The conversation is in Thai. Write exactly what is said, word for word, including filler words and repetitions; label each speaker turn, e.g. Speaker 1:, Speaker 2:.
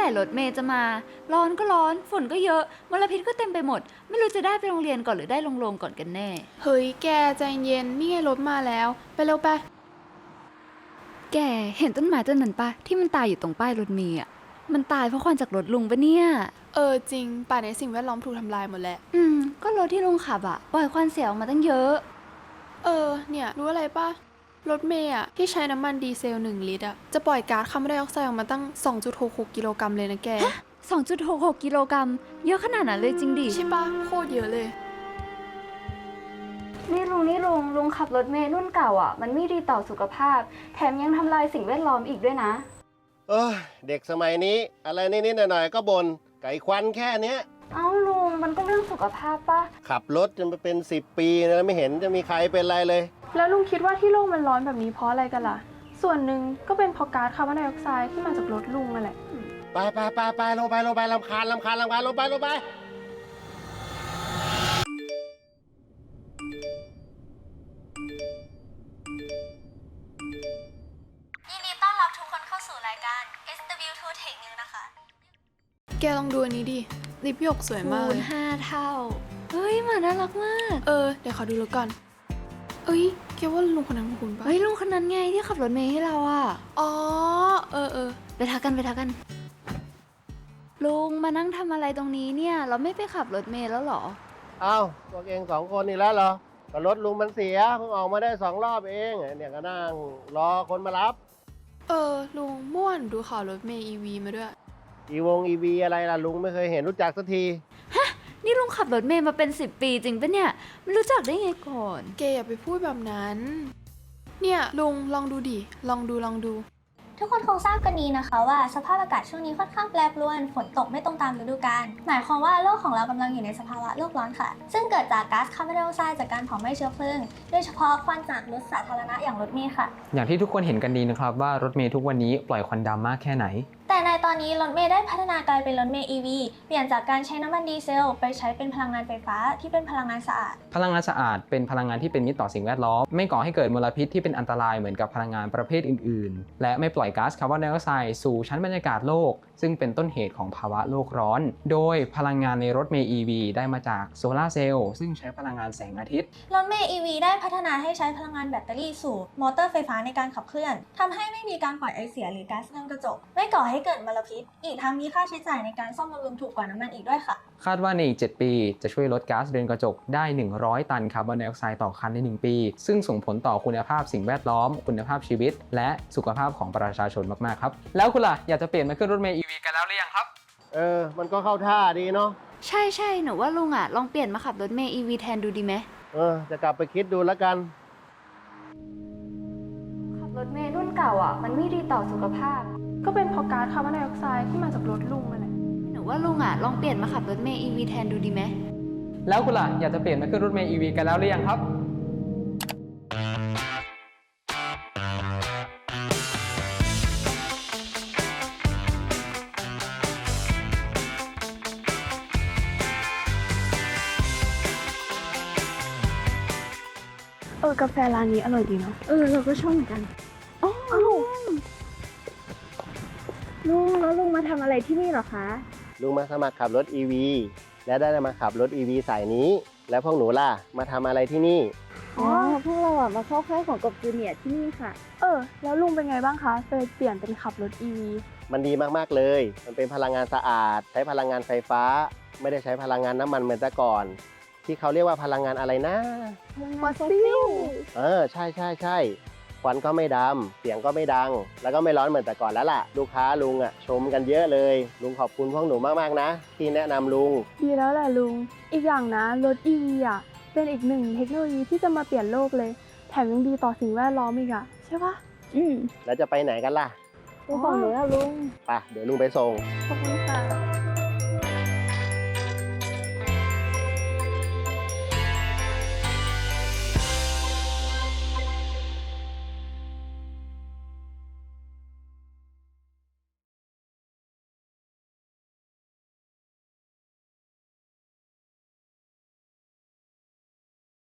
Speaker 1: ร่รถเมย์จะมาร้อนก็ร้อนฝนก็เยอะมลพิษก็เต็มไปหมดไม่รู้จะได้ไปโรงเรียนก่อนหรือได้ลงโรงก่อนกันแน่
Speaker 2: เฮ้ยแกใจเย็นนี่ไงรถมาแล้วไปเร็วไป
Speaker 1: แกเห็นต้นไม้ต้นนั้นปะที่มันตายอยู่ตรงป้ายรถเมย์อ่ะมันตายเพราะควันจากรถลุงปะเนี่ย
Speaker 2: เออจริงป่านนี้สิ่งแวดล้อมถูกทำลายหมดแล้ว
Speaker 1: อืมก็รถที่ลุงขับอ่ะปล่อยควันเสียออกมาตั้งเยอะ
Speaker 2: เออเนี่ยรู้อะไรปะรถเมย์อ่ะที่ใช้น้ำมันดีเซลหนึ่งลิตรอ่ะจะปล่อยก๊าซคาร์บอนไดออกไซด์ออกมาตั้ง สองจุดหกหก กิโลกรัมเลยนะแก
Speaker 1: สองจุดหกหก กิโลกรัมเยอะขนาดนั้นเลยจริงดิ
Speaker 2: ใช่ปะโคตรเยอะเลย
Speaker 1: นี่ลุงนี่ลุงลุงขับรถเมล์รุ่นเก่าอ่ะมันไม่ดีต่อสุขภาพแถมยังทำลายสิ่งแวดล้อมอีกด้วยนะ
Speaker 3: เออเด็กสมัยนี้อะไรนิดๆหน่อยๆก็บน่นไก่ควันแค่เนี้ย
Speaker 1: เอ้าลุงมันก็เรื่องสุขภาพปะ
Speaker 3: ขับรถจนไปเป็นสิบปีแล้วไม่เห็นจะมีใครเป็นไรเลย
Speaker 2: แล้วลุงคิดว่าที่โลกมันร้อนแบบนี้เพราะอะไรกันล่ะส่วนหนึ่งก็เป็นเพราะก๊าซคาร์บอนไดออกไซด์ที่มาจากรถลุงนั่นแหละ
Speaker 3: ไปไปไปไปลงไปลงไปลำคาญลำคาญลำคาญลงไปลงไป
Speaker 4: ยินดีต้อนรับทุกคนเข้าสู่รายการ เอส ดับเบิลยู ทู Tech News นะคะ
Speaker 2: แกลองดูอันนี้ดิลิปหยกสวยมาก
Speaker 1: คูณห้าเท่าเฮ้ยหมาน่ารักมาก
Speaker 2: เออเดี๋ยวขอดูรถก่อนเอ้ยแกว่าลุงคนนั้นคุณปะ
Speaker 1: เฮ้ยลุงคนนั้นไงที่ขับรถเมล์ให้เราอ่ะ
Speaker 2: อ๋อเออเออ
Speaker 1: ไปทักกันไปทักกันลุงมานั่งทำอะไรตรงนี้เนี่ยเราไม่ไปขับรถเมล์แล้วหรอ
Speaker 3: เอ้าพวกเองสองคนนี่แล้วเหรอก็รถลุงมันเสียเพิ่งออกมาได้สองรอบเองเนี่ยก็นั่งรอคนมารับ
Speaker 2: เออลุงม่วนดูข่าวรถเมล์ อี วี มาด้วย
Speaker 3: อีวงอีวีอะไรล่ะลุงไม่เคยเห็นรู้จักสักที
Speaker 1: ฮะนี่ลุงขับรถเมล์มาเป็นสิบปีจริงปะเนี่ยไม่รู้จักได้ไงก่อน
Speaker 2: แกอย่าไปพูดแบบนั้นเนี่ยลุงลองดูดิลองดูลองดู
Speaker 4: ทุกคนคงทราบกันดีนะคะว่าสภาพอากาศช่วงนี้ค่อนข้างแปรปรวนฝนตกไม่ตรงตามฤดูกาลหมายความว่าโลกของเรากำลังอยู่ในสภาวะโลกร้อนค่ะซึ่งเกิดจากก๊าซคาร์บอนไดออกไซด์จากการเผาไหม้เชื้อเพลิงโดยเฉพาะควันจากรถสาธารณะอย่างรถเมล์ค่ะ
Speaker 5: อย่างที่ทุกคนเห็นกันดีนะครับว่ารถเมล์ทุกวันนี้ปล่อยควันดำมากแค่ไหน
Speaker 4: แต่ในตอนนี้รถเมล์ได้พัฒนากลายเป็นรถเมล์ อี วี เปลี่ยนจากการใช้น้ำมันดีเซลไปใช้เป็นพลังงานไฟฟ้าที่เป็นพลังงานสะอาด
Speaker 5: พลังงานสะอาดเป็นพลังงานที่เป็นมิตรต่อสิ่งแวดล้อมไม่ก่อให้เกิดมลพิษที่เป็นอันตรายเหมือนกับพลังงานประเภทอื่นๆและไม่ปล่อยก๊าซคาร์บอนไดออกไซด์สู่ชั้นบรรยากาศโลกซึ่งเป็นต้นเหตุของภาวะโลกร้อนโดยพลังงานในรถเมล์ อี วี ได้มาจากโซลาร์เซลล์ซึ่งใช้พลังงานแสงอาทิตย์
Speaker 4: รถเมล์ อี วี ได้พัฒนาให้ใช้พลังงานแบตเตอรี่สู่มอเตอร์ไฟฟ้าในการขับเคลื่อนทำให้ไม่มีการปล่อยไอเสียหรือก๊าซเรือนกระจกไม่ก่อให้เกิดมลพิษอีกทั้งมีค่าใช้จ่ายในการซ่อมบำรุงถูกกว่าน้ำมันอีกด้วยค่ะ
Speaker 5: คาดว่าในอีกเจ็ดปีจะช่วยลดก๊าซเรือนกระจกได้หนึ่งร้อยตันคาร์บอนไดออกไซด์ต่อคันในหนึ่งปีซึ่งส่งผลต่อคุณภาพสิ่งแวดล้อมคุณภาพชีวิตและสุขภาพของประชาชนมากๆครับแล้วคุณล่ะอยากจะเปลี่ยนมาขึ้นรถเมล์ อี วี กันแล้วหรือยังครับ
Speaker 3: เออมันก็เข้าท่าดีเนาะ
Speaker 1: ใช่ใช่หนูว่าลุงอ่ะลองเปลี่ยนมาขับรถเมล์ อี วี แทนดูดีไหม
Speaker 3: เออจะกลับไปคิดดูแล้วกัน
Speaker 1: ขับรถเมล์รุ่นเก่าอ่ะมันไม่ดีต่อสุขภาพ
Speaker 2: ก็เป็นเพราะก๊าซคาร์บอนไดออกไซด์ที่มาจากรถลุงนั่นแหละ
Speaker 1: หนูว่าลุงอ่ะลองเปลี่ยนมาขับรถเมล์ อี วี แทนดูดีไหม
Speaker 5: แล้วคุณล่ะอยากจะเปลี่ยนมาขึ้นรถเมล์ อี วี กันแล้วหรือยังครับ
Speaker 2: เออกาแฟร้านนี้อร่อยดีเนาะ
Speaker 1: เออเราก็ชอบเหมือนกันอ๋อลุงแล้วลุงมาทำอะไรที่นี่หรอคะ
Speaker 3: ลุงมาสมัครขับรถ อี วี และได้มาขับรถ อี วี สายนี้แล้วพวกหนูล่ะมาทำอะไรที่นี่
Speaker 1: อ๋อพวกเราอ่ะมาเข้าค่ายของกบจูเนียร์ที่นี่ค่ะ
Speaker 2: เออแล้วลุงเป็นไงบ้างคะเลยเปลี่ยนเป็นขับรถ อี วี
Speaker 3: มันดีมากๆเลยมันเป็นพลังงานสะอาดใช้พลังงานไฟฟ้าไม่ได้ใช้พลังงานน้ำมันเหมือนแต่ก่อนที่เขาเรียกว่าพลังงานอะไรนะ
Speaker 2: ฟอสซิล
Speaker 3: เออใช่ใช่ใช่ควันก็ไม่ดำเสียงก็ไม่ดังแล้วก็ไม่ร้อนเหมือนแต่ก่อนแล้วล่ะลูกค้าลุงอ่ะชมกันเยอะเลยลุงขอบคุณพวกหนูมากๆนะที่แนะนำลุง
Speaker 2: ดีแล้วแหละลุงอีกอย่างนะรถ อี วี อ่ะเป็นอีกหนึ่งเทคโนโลยีที่จะมาเปลี่ยนโลกเลยแถมยังดีต่อสิ่งแวดล้อมอีกอ่ะใช่ปะ
Speaker 1: อืม
Speaker 3: แล้วจะไปไหนกันล่ะ
Speaker 2: ไปฝั่งไหนอะลุง
Speaker 3: ไปเดี๋ยวลุงไปส่ง
Speaker 2: ขอบคุณค่ะ